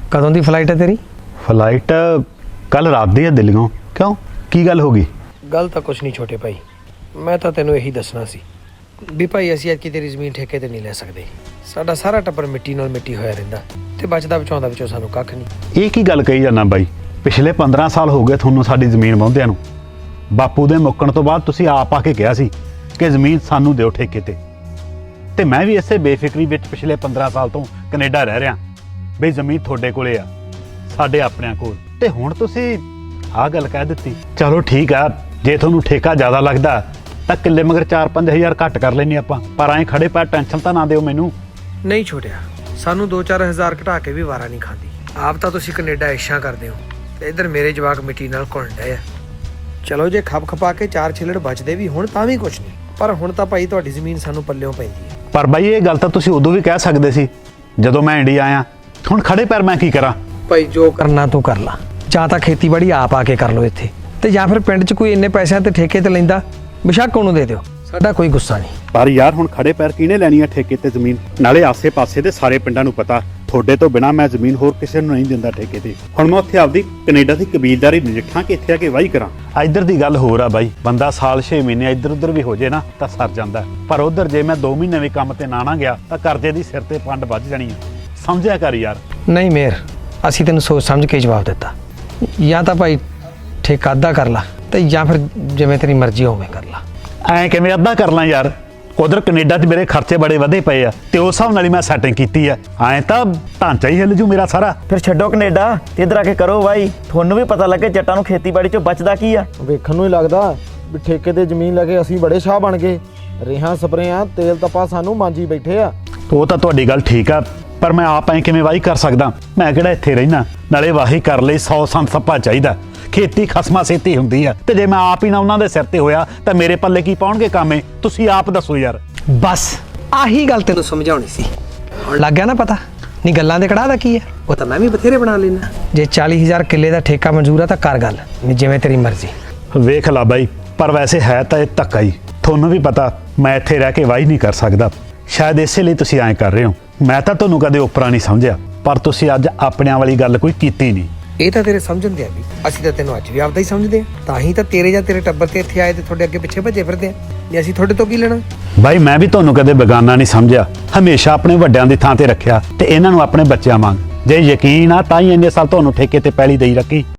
कदों की फ्लाइट है तेरी? फ्लाइट कल रात दी है दिल्लीओं। क्यों की गल हो गई? गल तो कुछ नहीं छोटे भाई, मैं तो तेनों यही दसना सी भी भाई असीं अज तेरी जमीन ठेके ते नहीं ले सकते। साडा सारा टब्बर मिट्टी नाल मिट्टी होया रहिंदा ते बचदा बचाउंदा विचों सानूं कख नहीं। ये की गल कही जाना बाई? पिछले 15 साल हो गए थोनों साडी जमीन वाहुंदिਆਂ ਨੂੰ। बापू दे मुक्कण तो बाद तुसीं आप आके कहा सी कि जमीन सानू दिओ ठेके ते मैं भी इसे बेफिक्री विच पिछले 15 साल तो कनेडा रह रहा बई जमीन थोड़े कोले आ, साडे अपनिਆਂ कोल। ते हुण तुसीं आ गल कह दित्ती। चलो ठीक आ, जे तुहानूं ठेका ज़्यादा लगदा तां किल्ले मगर 4-5 हज़ार घट कर लैने आपां, पर ऐ खड़े पैर टेंशन तां ना दिओ मैनूं। नहीं छोटिया, सानू 2-4 हज़ार घटा के भी वारा नहीं खाती। आप तो तुसीं कनेडा इच्छा करते हो ते इधर मेरे जवाक मिट्टी नाल घुल डए आ। चलो जे खप खपा के 4 छिलड़ बचदे भी हुण तां भी कुछ नहीं, पर हुण तां भाई तुहाडी जमीन सानू पल्लियों पैंदी है। पर बाई ये गल तां तुसीं उदों भी कह सकदे सी जदों मैं इंडिया आया। हुण खड़े पैर मैं की करा? भाई जो करना तू कर ला, ਜਾਂ ਤਾਂ ਖੇਤੀਬਾੜੀ ਆਪ ਆ ਕੇ ਕਰ ਲਓ ਇੱਥੇ, ਤੇ ਜਾਂ ਫਿਰ ਪਿੰਡ 'ਚ ਕੋਈ ਇੰਨੇ ਪੈਸਿਆਂ ਤੇ ਠੇਕੇ ਤੇ ਲੈਂਦਾ ਬੇਸ਼ੱਕ ਉਹਨੂੰ ਦੇ ਦਿਓ, ਸਾਡਾ ਕੋਈ ਗੁੱਸਾ ਨਹੀਂ। ਪਰ ਯਾਰ ਹੁਣ ਖੜੇ ਪੈਰ ਕਿਹਨੇ ਲੈਣੀ ਆ ਠੇਕੇ ਤੇ ਜ਼ਮੀਨ? ਨਾਲੇ ਆਸੇ-ਪਾਸੇ ਦੇ ਸਾਰੇ ਪਿੰਡਾਂ ਨੂੰ ਪਤਾ ਤੁਹਾਡੇ ਤੋਂ ਬਿਨਾ ਮੈਂ ਜ਼ਮੀਨ ਹੋਰ ਕਿਸੇ ਨੂੰ ਨਹੀਂ ਦਿੰਦਾ ਠੇਕੇ ਤੇ। ਹੁਣ ਮੈਂ ਉੱਥੇ ਆਪਦੀ ਕੈਨੇਡਾ ਦੀ ਕਬੀਲਦਾਰੀ ਨਜਿੱਠਾਂ ਕਿ ਇੱਥੇ ਆ ਕੇ ਵਾਹੀ ਕਰਾਂ। ਇੱਧਰ ਦੀ ਗੱਲ ਹੋਰ ਆ ਬਾਈ, ਬੰਦਾ ਸਾਲ 6 ਮਹੀਨੇ ਇੱਧਰ ਉੱਧਰ ਵੀ ਹੋ ਜੇ ਨਾ ਤਾਂ ਸਰ ਜਾਂਦਾ, ਪਰ ਉੱਧਰ ਜੇ ਮੈਂ 2 ਮਹੀਨੇ ਵੀ ਕੰਮ ਤੇ ਨਾ ਗਿਆ ਤਾਂ ਕਰਜ਼ੇ ਦੀ ਸਿਰ ਤੇ ਪੰਡ ਵੱਜ ਜਾਣੀ ਆ। ਸਮਝਿਆ ਕਰ ਯਾਰ। ਨਹੀਂ ਮੇਰ, ਅਸੀਂ ਤੈਨੂੰ ਸੋਚ ਸਮਝ ਕੇ ਜਵਾਬ ਦਿੱਤਾ। ਜਾਂ ਤਾਂ ਭਾਈ ਠੇਕਾ ਅੱਧਾ ਕਰ ਲਾ ਤੇ ਜਾਂ ਫਿਰ ਜਿਵੇਂ ਤੇਰੀ ਮਰਜ਼ੀ ਹੋਵੇ ਕਰ ਲਾ। ਐਂ ਕਿਵੇਂ ਅੱਧਾ ਕਰ ਲਾਂ ਯਾਰ? ਉਧਰ ਕੈਨੇਡਾ 'ਚ ਮੇਰੇ ਖਰਚੇ ਬੜੇ ਵਧੇ ਪਏ ਆ ਤੇ ਉਸ ਹਿਸਾਬ ਨਾਲ ਹੀ ਮੈਂ ਸੈਟਿੰਗ ਕੀਤੀ ਆ। ਐਂ ਤਾਂ ਢਾਂਚਾ ਹੀ ਹਿੱਲ ਜੂ ਮੇਰਾ ਸਾਰਾ। ਫਿਰ ਛੱਡੋ ਕੈਨੇਡਾ ਤੇ ਇੱਧਰ ਆ ਕੇ ਕਰੋ ਬਾਈ, ਤੁਹਾਨੂੰ ਵੀ ਪਤਾ ਲੱਗੇ ਜੱਟਾਂ ਨੂੰ ਖੇਤੀਬਾੜੀ 'ਚੋਂ ਬਚਦਾ ਕੀ ਆ। ਵੇਖਣ ਨੂੰ ਹੀ ਲੱਗਦਾ ਵੀ ਠੇਕੇ ਤੇ ਜ਼ਮੀਨ ਲੈ ਕੇ ਅਸੀਂ ਬੜੇ ਸ਼ਾਹ ਬਣ ਗਏ। ਰੇਹਾਂ ਸਪਰੇਆਂ ਤੇਲ ਤਪਾ ਸਾਨੂੰ ਮਾਂਜੀ ਬੈਠੇ ਆ। ਉਹ ਤਾਂ ਤੁਹਾਡੀ ਗੱਲ ਠੀਕ ਆ, ਪਰ ਮੈਂ ਆਪ ਐਂ ਕਿਵੇਂ ਵਾਹੀ ਕਰ ਸਕਦਾ? ਮੈਂ ਕਿਹੜਾ ਇੱਥੇ ਰਹਿਣਾ? ਨਾਲੇ ਵਾਹੀ ਕਰ ਲਈ 100 ਸੰਤ ਸੱਪਾ ਚਾਹੀਦਾ। ਖੇਤੀ ਖਸਮਾ ਸੇਤੀ ਹੁੰਦੀ ਆ ਤੇ ਜੇ ਮੈਂ ਆਪ ਹੀ ਨਾ ਉਹਨਾਂ ਦੇ ਸਿਰ ਤੇ ਹੋਇਆ ਤਾਂ ਮੇਰੇ ਪੱਲੇ ਕੀ ਪਾਉਣਗੇ ਕਾਮੇ? ਤੁਸੀਂ ਆਪ ਦੱਸੋ ਯਾਰ। ਬਸ ਆਹੀ ਗੱਲ ਤੈਨੂੰ ਸਮਝਾਉਣੀ ਸੀ। ਹੁਣ ਲੱਗ ਗਿਆ ਨਾ ਪਤਾ? ਨਹੀਂ ਗੱਲਾਂ ਦੇ ਕੜਾਹ ਦਾ ਕੀ ਆ, ਉਹ ਤਾਂ ਮੈਂ ਵੀ ਬਥੇਰੇ ਬਣਾ ਲੈਣਾ। ਜੇ 40,000 ਕਿੱਲੇ ਦਾ ਠੇਕਾ ਮਨਜ਼ੂਰ ਆ ਤਾਂ ਕਰ ਗੱਲ, ਨਹੀਂ ਜਿਵੇਂ ਤੇਰੀ ਮਰਜ਼ੀ। ਵੇਖ ਲਾ ਬਾਈ, ਪਰ ਵੈਸੇ ਹੈ ਤਾਂ ਇਹ ਧੱਕਾ ਹੀ। ਤੁਹਾਨੂੰ ਵੀ ਪਤਾ ਮੈਂ ਇੱਥੇ ਰਹਿ ਕੇ ਵਾਹੀ ਨਹੀਂ ਕਰ ਸਕਦਾ, ਸ਼ਾਇਦ ਇਸੇ ਲਈ ਤੁਸੀਂ ਐਂ ਕਰ ਰਹੇ ਹੋ। ਮੈਂ ਤਾਂ ਤੁਹਾਨੂੰ ਕਦੇ ਉਪਰਾ ਨਹੀਂ ਸਮਝਿਆ, ਪਰ ਤੁਸੀਂ ਅੱਜ ਆਪਣਿਆਂ ਵਾਲੀ ਗੱਲ ਕੋਈ ਕੀਤੀ ਨਹੀਂ। ਇਹ ਤਾਂ ਤੇਰੇ ਸਮਝਣ ਦੇ ਆ ਵੀ, ਅਸੀਂ ਤਾਂ ਤੈਨੂੰ ਅੱਜ ਵੀ ਆਪਦਾ ਹੀ ਸਮਝਦੇ ਆ। ਤਾਂ ਹੀ ਤਾਂ ਤੇਰੇ ਜਾਂ ਤੇਰੇ ਟੱਬਰ ਤੇ ਇੱਥੇ ਆਏ ਤੇ ਤੁਹਾਡੇ ਅੱਗੇ ਪਿੱਛੇ ਭੱਜੇ ਫਿਰਦੇ ਆ। ਨਹੀਂ ਅਸੀਂ ਤੁਹਾਡੇ ਤੋਂ ਕੀ ਲੈਣਾ? ਬਾਈ ਮੈਂ ਵੀ ਤੁਹਾਨੂੰ ਕਦੇ ਬੇਗਾਨਾ ਨਹੀਂ ਸਮਝਿਆ, ਹਮੇਸ਼ਾ ਆਪਣੇ ਵੱਡਿਆਂ ਦੀ ਥਾਂ ਤੇ ਰੱਖਿਆ ਤੇ ਇਹਨਾਂ ਨੂੰ ਆਪਣੇ ਬੱਚਿਆਂ ਵਾਂਗ। ਜੇ ਯਕੀਨ ਆ ਤਾਂ ਹੀ ਇੰਨੇ ਸਾਲ ਤੁਹਾਨੂੰ ਠੇਕੇ ਤੇ ਪੈਲੀ ਦੇਈ ਰੱਖੀ।